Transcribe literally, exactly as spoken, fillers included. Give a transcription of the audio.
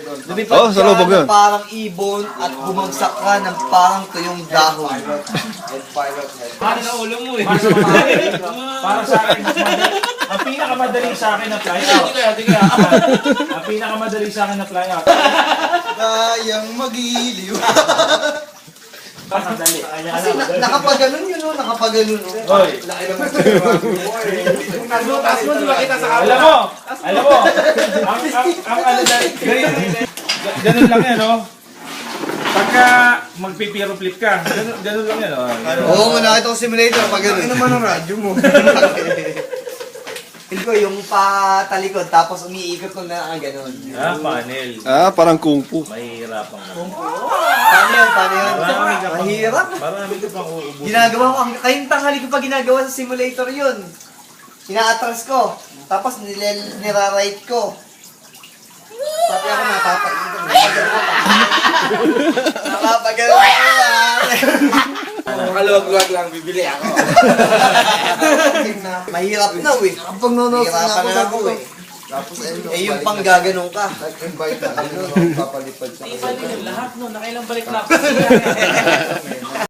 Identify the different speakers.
Speaker 1: Lumipad
Speaker 2: Oh, sa lubog
Speaker 1: ka
Speaker 2: yun.
Speaker 1: na parang ibon at bumagsak ka ng parang tuyong dahon.
Speaker 3: Para sa ulo mo eh.
Speaker 4: Para sa mga- para sa akin, mas madali. Ang pinakamadali sa akin na fly out.
Speaker 3: Hindi kaya, hindi kaya.
Speaker 4: Ang pinakamadali sa akin na fly out.
Speaker 1: Kayang magiliw.
Speaker 4: Pakadali.
Speaker 1: Kasi na, nakapaganon yun, no? Nakapaganon, no?
Speaker 4: Hoy,
Speaker 3: Taas mo, di ba kita sa
Speaker 4: alam mo, alam mo, ang, ang, ang ano dahil, ganun, ganun lang yan, no? Pagka magpipiro flip ka, ganun, ganun lang yan, no?
Speaker 1: Oo, nga nakita ko simulator pag ganun. Ano naman ang radyo mo? Feel ko yung patalikod, tapos umiikot ko na ang ganun.
Speaker 4: Ah, panel.
Speaker 2: Ah, parang kung fu.
Speaker 4: Mahirap ang
Speaker 1: Paano yun? Paano yun?
Speaker 4: Marami ka pang,
Speaker 1: Mahirap.
Speaker 4: marami ka pang uubusin.
Speaker 1: Ginagawa ko, ang kayong tanghali ko pa ginagawa sa simulator yun. Ina-atras ko, tapos nilel, nira-right ko. Sabi ako napapaikot. Napapagano ako ah.
Speaker 3: Makaluwag-luwag lang, bibili ako.
Speaker 1: Mahirap na eh. Kapag nanonood na ako sa ako eh. Tapos eh yung pang gaganong ka. Nag-invite na kami, papalipad sa
Speaker 4: Lahat no, nakailang balik na ako.